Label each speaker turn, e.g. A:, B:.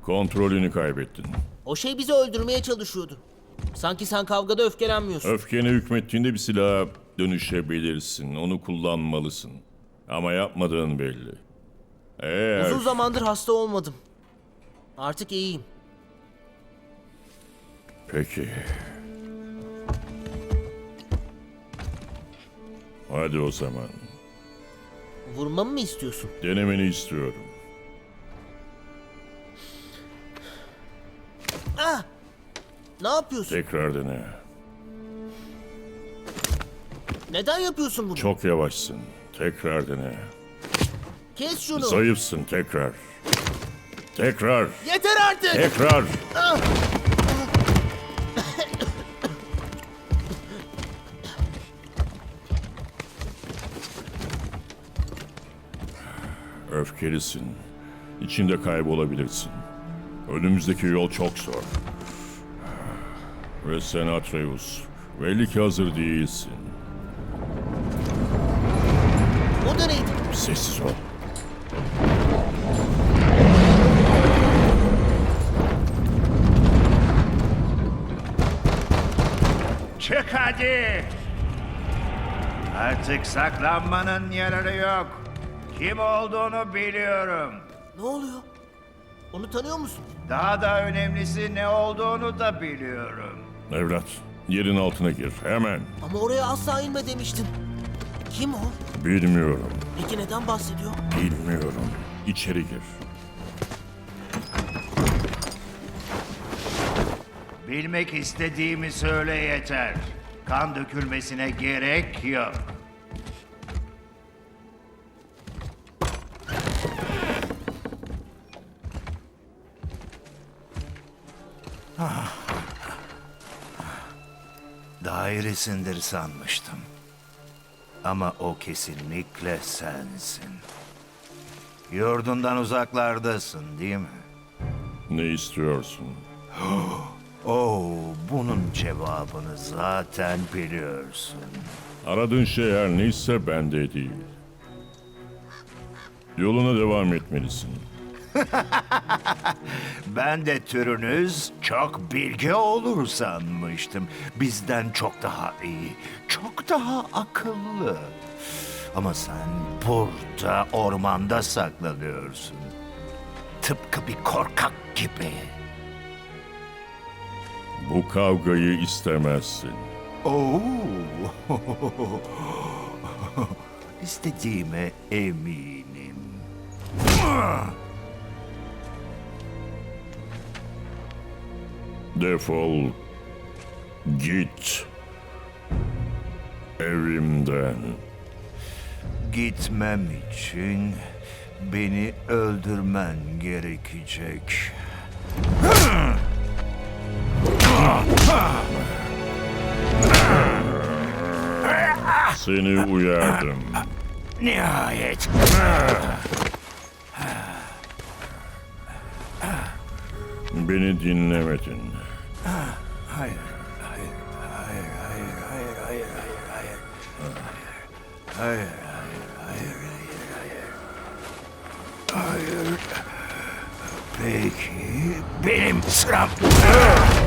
A: Kontrolünü kaybettin.
B: O şey bizi öldürmeye çalışıyordu. Sanki sen kavgada öfkelenmiyorsun.
A: Öfkene hükmettiğinde bir silaha dönüşebilirsin. Onu kullanmalısın. Ama yapmadığın belli. Eğer...
B: Uzun zamandır hasta olmadım. Artık iyiyim.
A: Peki. Hadi o zaman.
B: Vurmamı mı istiyorsun?
A: Denemeni istiyorum.
B: Ah! Ne yapıyorsun?
A: Tekrar dene.
B: Neden yapıyorsun bunu?
A: Çok yavaşsın. Tekrar dene.
B: Kes şunu.
A: Zayıfsın. Tekrar. Tekrar.
B: Yeter artık.
A: Tekrar. Öfkelisin. İçinde kaybolabilirsin. Önümüzdeki yol çok zor. Ve sen Atreus, belli ki hazır değilsin.
B: O da neydi?
A: Sessiz ol.
C: Çık hadi! Artık saklanmanın yararı yok. Kim olduğunu biliyorum.
B: Ne oluyor? Onu tanıyor musun?
C: Daha da önemlisi ne olduğunu da biliyorum.
A: Evlat, yerin altına gir. Hemen.
B: Ama oraya asla inme demiştin. Kim o?
A: Bilmiyorum.
B: Peki neden bahsediyor?
A: Bilmiyorum. İçeri gir.
C: Bilmek istediğimi söyle yeter. Kan dökülmesine gerek yok. Dairesindir sanmıştım. Ama o kesinlikle sensin. Yurdundan uzaklardasın, değil mi?
A: Ne istiyorsun?
C: Bunun cevabını zaten biliyorsun.
A: Aradığın şey her neyse bende değil. Yoluna devam etmelisin.
C: Ben de türünüz çok bilge olur sanmıştım. Bizden çok daha iyi, çok daha akıllı. Ama sen burada ormanda saklanıyorsun. Tıpkı bir korkak gibi.
A: Bu kavgayı istemezsin.
C: Oo. İstediğime eminim.
A: Defol. Git. Evimden.
C: Gitmem için beni öldürmen gerekecek.
A: Seni uyardım.
C: Nihayet.
A: Beni dinlemedin.
C: Hayır, hayır, hayır, hayır, hayır, hayır, hayır, hayır, hayır, hayır, hayır, hayır, hayır. Peki, benim sıram.